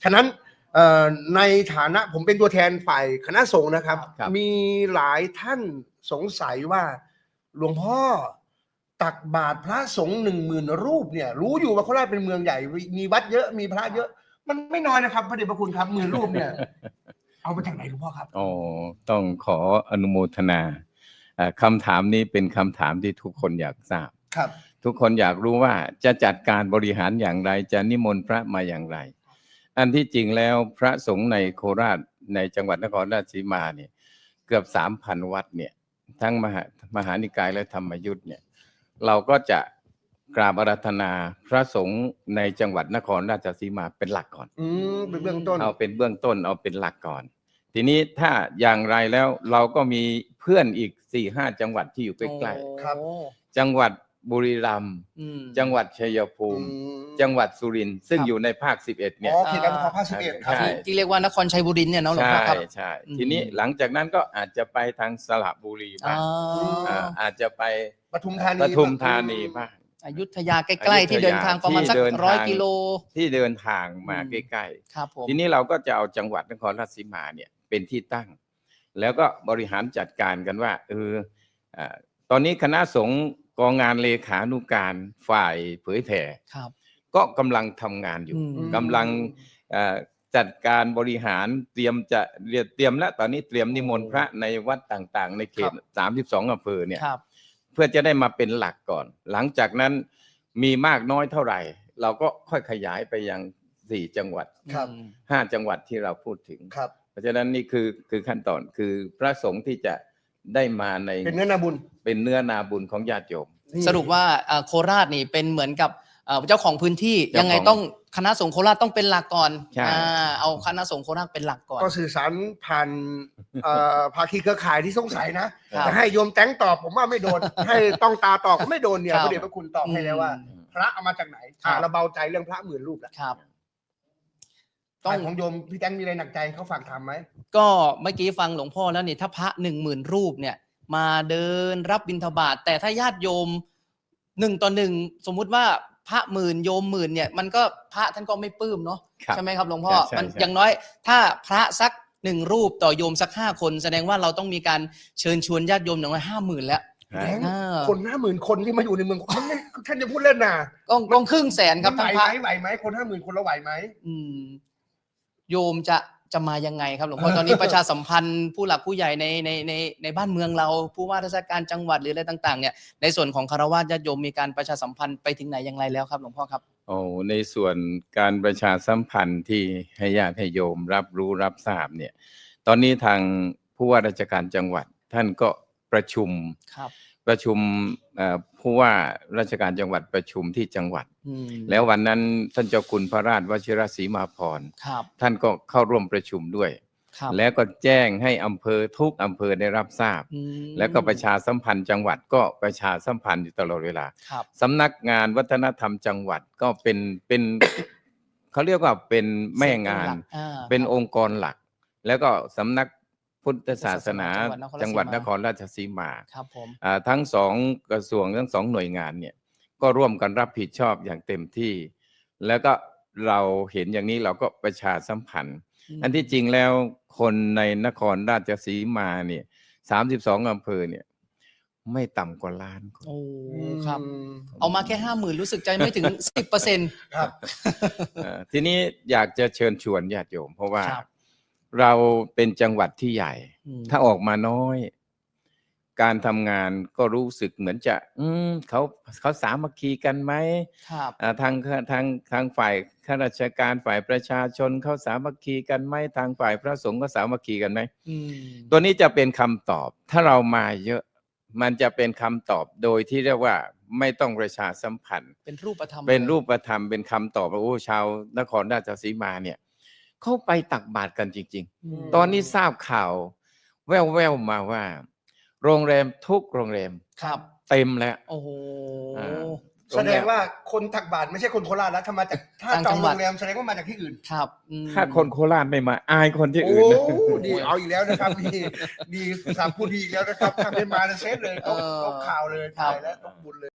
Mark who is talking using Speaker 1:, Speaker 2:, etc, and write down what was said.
Speaker 1: ฉะนั้นในฐานะผมเป็นตัวแทนฝ่ายคณะสงฆ์นะครับมีหลายท่านสงสัยว่าหลวงพ่อตักบาตรพระสงฆ์10,000 รูปเนี่ยรู้อยู่ว่าโคราชเป็นเมืองใหญ่มีวัดเยอะมีพระเยอะมันไม่น้อยนะครับพระเดชพระคุณครับ10,000 รูปเนี่ยเอามาจากไหนหลวงพ่อครับ
Speaker 2: อ๋อต้องขออนุโมทนาคำถามนี้เป็นคำถามที่ทุกคนอยากทราบ
Speaker 1: ครับ
Speaker 2: ทุกคนอยากรู้ว่าจะจัดการบริหารอย่างไรจะนิมนต์พระมาอย่างไรอันที่จริงแล้วพระสงฆ์ในโคราชในจังหวัดนครราชสีมาเนี่ยเกือบ 3,000 วัดเนี่ยทั้งมหานิกายและธรรมยุทธ์เนี่ยเราก็จะกราบอาราธนาพระสงฆ์ในจังหวัดนครราชสีมาเป็นหลักก่อน
Speaker 1: เป็นเบื้องต้น
Speaker 2: เอาเป็นเบื้องต้นเอาเป็นหลักก่อนทีนี้ถ้าอย่างไรแล้วเราก็มีเพื่อนอีก 4-5 จังหวัดที่อยู่ใกล้ๆจังหวัดบุรีรัมย์จังหวัดชัยภูมิจังหวัดสุรินทร์ซึ่งอยู่ในภาค11เนี่ย
Speaker 1: เขตการปกครองภาค11ครับ
Speaker 3: ที่เรียกว่านครชัยบุรีเนี่ยเนาะหลวงพ่อครับ
Speaker 2: ใช่ทีนี้หลังจากนั้นก็อาจจะไปทางสระบุรีบ้างอาจจะไป
Speaker 1: ปทุมธานี
Speaker 2: บ้าง
Speaker 3: อยุธยาใกล้ๆที่เดินทางประมาณสัก100 กิโล
Speaker 2: ที่เดินทางมาใกล้ๆทีนี้เราก็จะเอาจังหวัดนครราชสีมาเนี่ยเป็นที่ตั้งแล้วก็บริหารจัดการกันว่าตอนนี้คณะสงฆ์กองงานเลขานุการฝ่ายเผยแผ่ก็กำลังทำงานอยู่กำลังจัดการบริหารเตรียมและตอนนี้เตรียมนิมนต์พระในวัดต่างๆในเขต32 อำเภอเนี่ยเพื่อจะได้มาเป็นหลักก่อนหลังจากนั้นมีมากน้อยเท่าไหร่เราก็ค่อยขยายไปยัง4 จังหวัด5 จังหวัดที่เราพูดถึงเพราะฉะนั้นนี่คือขั้นตอนคือพระสงฆ์ที่จะได้มาใน
Speaker 1: เป็นเนื้อนา
Speaker 2: บุญของญาติโยม
Speaker 3: สรุปว่าโคราชนี่เป็นเหมือนกับเจ้าของพื้นที่ยังไงต้องคณะสงฆ์โคราชต้องเป็นหลักก่อนเอาคณะสงฆ์โคราชเป็นหลักก่อน
Speaker 1: ก็สื่อสารผ่านภาคีเครือข่ายที่สงสัยนะแต่ให้โยมแตงตอบผมว่าไม่โดนให้ต้องตาตอบก็ไม่โดนเนี่ยพระเดชพระคุณตอบให้แล้วว่าพระเอามาจากไหนเราเบาใจเรื่องพระ10,000 รูปแล้วต้องของโยมพี่แตงมีอะไรหนักใจเขาฝากถามไหม
Speaker 3: ก็เมื่อกี้ฟังหลวงพ่อแล้วนี่ถ้าพระ10,000 รูปเนี่ยมาเดินรับบิณฑบาตแต่ถ้าญาติโยม1 ต่อ 1สมมุติว่าพระ10,000โยม10,000เนี่ยมันก็พระท่านก็ไม่ปลื้มเนาะใช่ไหมครับหลวงพ่อมันอย่างน้อยถ้าพระสัก1 รูปต่อโยมสัก5 คนแสดงว่าเราต้องมีการเชิญชวนญาติโยมอย่างน้อย50,000แล้ว
Speaker 1: คน50,000 คนที่มาอยู่ในเมืองท่านจะพูดเล่นนะ
Speaker 3: ก็ครึ่งแสนครับ
Speaker 1: ทั้งไหวไหมคน50,000 คนเราไหวไหม
Speaker 3: โยมจะมายังไงครับหลวงพ่อตอนนี้ประชาสัมพันธ์ผู้หลักผู้ใหญ่ในบ้านเมืองเราผู้ว่าราชการจังหวัดหรืออะไรต่างๆเนี่ยในส่วนของคฤหัสถ์ญาติโยมมีการประชาสัมพันธ์ไปถึงไหนอย่างไรแล้วครับหลวงพ่อครับ
Speaker 2: ในส่วนการประชาสัมพันธ์ที่ให้ญาติให้โยมรับรู้รับทราบเนี่ยตอนนี้ทางผู้ว่าราชการจังหวัดท่านก็ประชุมผู้ว่าราชการจังหวัดประชุมที่จังหวัดแล้ววันนั้นท่านเจ้าคุณพระราชวชิรศรีมาภรณ์ท่านก็เข้าร่วมประชุมด้วยแล้วก็แจ้งให้อำเภอทุกอำเภอได้รับทราบแล้วก็ประชาสัมพันธ์จังหวัดก็ประชาสัมพันธ์อยู่ตลอดเวลาสำนักงานวัฒนธรรมจังหวัดก็เป็นเขาเรียกว่าเป็นแม่งานเป็นองค์กรหลักแล้วก็สำนักพุทธศาสนาจังหวัดนครราชสีมาทั้ง2 กระทรวงทั้ง2 หน่วยงานเนี่ยก็ร่วมกันรับผิดชอบอย่างเต็มที่แล้วก็เราเห็นอย่างนี้เราก็ประชาสัมพันธ์อันที่จริงแล้วคนในนครราชสีมาเนี่ย32 อำเภอเนี่ยไม่ต่ำกว่า1 ล้านคน
Speaker 3: ครับเอามาแค่50,000รู้สึกใจไม่ถึง 10%
Speaker 1: ครับ
Speaker 2: ทีนี้อยากจะเชิญชวนญาติโยมเพราะว่าเราเป็นจังหวัดที่ใหญ่ถ้าออกมาน้อยการทำงานก็รู้สึกเหมือนจะเขาสามัคคีกันไหมทางฝ่ายข้าราชการฝ่ายประชาชนเขาสามัคคีกันไหมทางฝ่ายพระสงฆ์ก็สามัคคีกันไหมตัวนี้จะเป็นคำตอบถ้าเรามาเยอะมันจะเป็นคำตอบโดยที่เรียกว่าไม่ต้องประชาสัมพันธ์
Speaker 3: เป็นรูปธรรม
Speaker 2: เป็นคำตอบว่าชาวนครราชสีมาเนี่ยเขาไปตักบาตรกันจริงๆตอนนี้ทราบข่าวแว่วๆมาว่าโรงแรมทุกโรงแรมเต็มแล้ว
Speaker 3: โอ้โห
Speaker 1: แสดงว่าคนตักบาตรไม่ใช่คนโคราชแล้วถ้ามาจากถ้าจองโรงแรมแสดงว่ามาจากที่อื่น
Speaker 3: ครับ
Speaker 2: ถ้าคนโคราชไม่มาอายคนที่อื่น
Speaker 1: ดีเอาอีกแล้วนะครับดีสามพูดดีอีกแล้วนะครับถ้าไม่มาเซฟเลยต้องข่าวเลยตายแล้วต้องบุญเลย